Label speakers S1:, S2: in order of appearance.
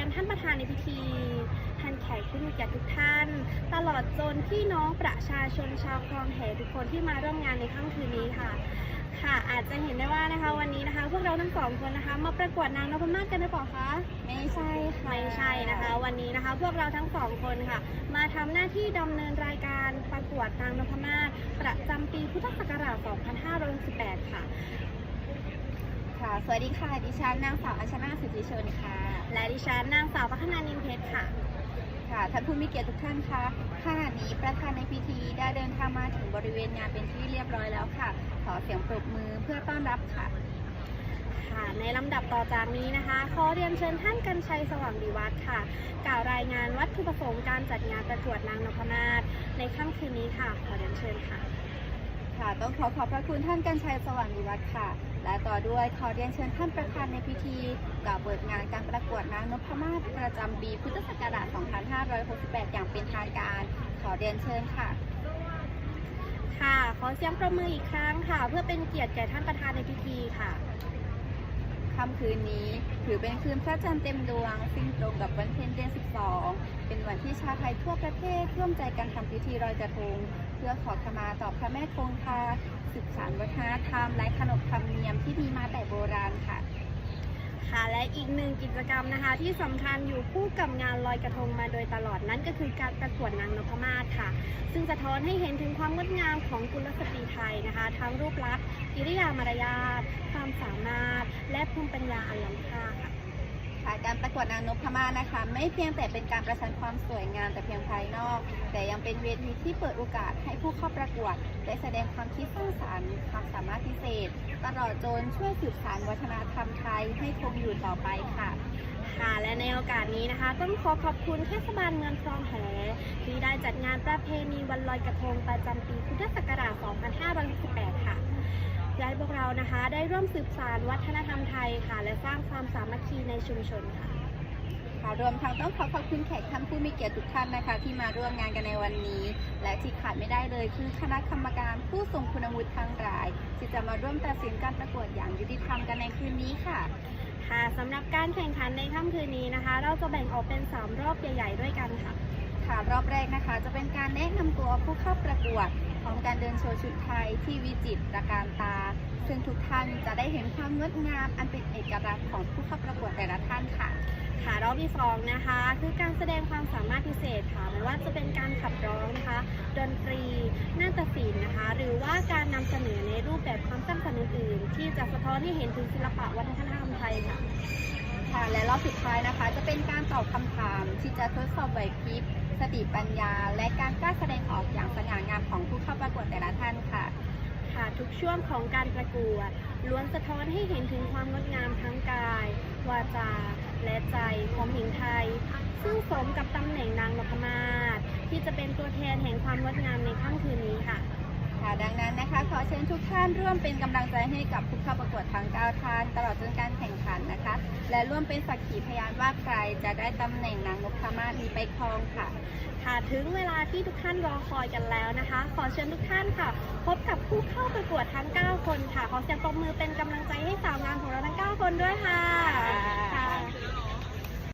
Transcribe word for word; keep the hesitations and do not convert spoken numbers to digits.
S1: ท่านประธานในพิธีท่านแขกผู้มีเกียรติทุกท่าน ตลอดจนพี่น้องประชาชนชาวคลองแหทุกคนที่มาร่วมงานในค่ำคืนนี้ค่ะค่ะอาจจะเห็นได้ว่านะคะวันนี้นะคะพวกเราทั้งสองคนนะคะมาประกวดนางนพมาศกันหรือเปล่าคะ
S2: ไม่ใช่ค่ะ
S1: ไม่ใช่นะคะวันนี้นะคะพวกเราทั้งสองคนค่ะมาทำหน้าที่ดำเนินรายการประกวดนางนพมาศประจำปีพุทธศักราช สองพันห้าร้อยหกสิบแปด ค่ะ
S2: ค่ะสวัสดีค่ะดิฉันนางสาวอัชนาสิทธิชนค่ะ
S1: และดิฉันนางสาวพัฒนานินเพชรค่ะ
S2: ค่ะท่านผู้มีเกียรติทุกท่านคะขณะนี้ประธานในพิธีได้เดินทางมาถึงบริเวณงานเป็นที่เรียบร้อยแล้วค่ะขอเสียงปรบมือเพื่อต้อนรับค่ะ
S1: ค่ะในลำดับต่อจากนี้นะคะขอเรียนเชิญท่านกรรชัยสว่างดีวัฒน์ค่ะกล่าวรายงานวัตถุประสงค์การจัดงานประกวดนางนพมาศในค่ำคืนนี้ค่ะขอเรียนเชิญค่ะ
S2: ค่ะต้องขอขอบพระคุณท่านกรรชัยสว่างดีวัฒน์ค่ะและต่อด้วยขอเรียนเชิญท่านประธานในพิธีกล่าวเปิดงานการประกวดนางนพมาศประจำปีพุทธศักราช สองพันห้าร้อยหกสิบแปด อย่างเป็นทางการขอเรียนเชิญค่ะ
S1: ค่ะขอเสียงประมืออีกครั้งค่ะเพื่อเป็นเกียรติแก่ท่านประธานในพิธีค่ะ
S2: ค่ำคืนนี้ถือเป็นคืนพระจันทร์เต็มดวงซึ่งตรงกับวันเพ็ญเดือนสิบสองเป็นวันที่ชาวไทยทั่วประเทศร่วมใจกันทำพิธีลอยกระทงเพื่อขอขมาต่อพระแม่คงคาสืบสานวัฒนธรรมและขนบธรรมเนียมที่มีมาแต่โบราณค่ะ
S1: ค่ะและอีกหนึ่งกิจกรรมนะคะที่สำคัญอยู่คู่กับงานลอยกระทงมาโดยตลอดนั่นก็คือการประกวดนางนพมาศค่ะซึ่งสะท้อนให้เห็นถึงความงดงามของกุลสตรีไทยนะคะทั้งรูปลักษณ์กิริยามารยาทความสามารถและภูมิปัญญาอันล้ำค่าค่ะ
S2: การประกวดนางนพมาศนะคะไม่เพียงแต่เป็นการประชันความสวยงามแต่เพียงภายนอกแต่ยังเป็นเวทีที่เปิดโอกาสให้ผู้เข้าประกวดได้แสดงความคิดสร้างสรรค์ความสามารถพิเศษตลอดจนช่วยสืบสานวัฒนธรรมไทยให้คงอยู่ต่อไปค่ะ
S1: ค่ะและในโอกาสนี้นะคะต้องขอขอบคุณเทศบาลเมืองคลองแหที่ได้จัดงานประเพณีวันลอยกระทงประจำปีพุทธศักราช สองพันห้าร้อยหกสิบแปด ค่ะและพวกเรานะคะได้ร่วมสืบสานวัฒนธรรมไทยค่ะและสร้างความสามัคคีในชุมชนค่ะ
S2: ค่ะรวมทั้งต้องขอขอบคุณแขกท่านผู้มีเกียรติทุกท่านนะคะที่มาร่วมงานกันในวันนี้และที่ขาดไม่ได้เลยคือคณะกรรมการผู้ทรงคุณวุฒิทั้งหลายที่จะมาร่วมตัดสินการประกวดอย่างยุติธรรมกันในคืนนี้ค่ะ
S1: ค่ะสำหรับการแข่งขันในค่ำคืนนี้นะคะเราจะแบ่งออกเป็นสามรอบใหญ่ๆด้วยกันค่ะ
S2: ค่ะรอบแรกนะคะจะเป็นการแนะนำตัวผู้เข้าประกวดพร้อมการเดินโชว์ชุดไทยที่วิจิตรตระการตาซึ่งทุกท่านจะได้เห็นความงดงามอันเป็นเอกลักษณ์ของผู้เข้าประกวดแต่ละท่านค่ะ
S1: ค่ะรอบที่สองนะคะคือการแสดงความสามารถพิเศษค่ะไม่ว่าจะเป็นการขับร้องนะคะดนตรีนาฏศิลป์นะคะหรือว่าการนำเสนอในรูปแบบความสร้างสรรค์อื่นๆที่จะสะท้อนให้เห็นถึงศิลปะวัฒนธรรมไทยค่ะ
S2: ค่ะและรอบสุดท้ายนะคะจะเป็นการตอบคำถามที่จะทดสอบไหวพริบสติปัญญาและการกล้าแสดงออกอย่างสง่างามของผู้เข้าประกวดแต่ละท่านค่ะ
S1: ค่ะทุกช่วงของการประกวดล้วนสะท้อนให้เห็นถึงความงดงามทั้งกายวาจาและใจของหญิงไทยซึ่งสมกับตำแหน่งนางนพมาศที่จะเป็นตัวแทนแห่งความงดงามในค่ำคืนนี้ค่ะ
S2: ค่ะดังนั้นนะคะขอเชิญทุกท่านร่วมเป็นกำลังใจให้กับผู้เข้าประกวดทั้งเก้าท่านตลอดจนการแข่งขันนะคะและร่วมเป็นสักขีพยานว่าใครจะได้ตำแหน่งนางนพมาศนี้ไปครองค่ะ
S1: ค่ะถึงเวลาที่ทุกท่านรอคอยกันแล้วนะคะขอเชิญทุกท่านค่ะพบกับผู้เข้าประกวดทั้งเก้าคนค่ะขอเสียงปรบมือเป็นกำลังใจให้สาวงามของเราทั้งเก้าคนด้วยค่ะ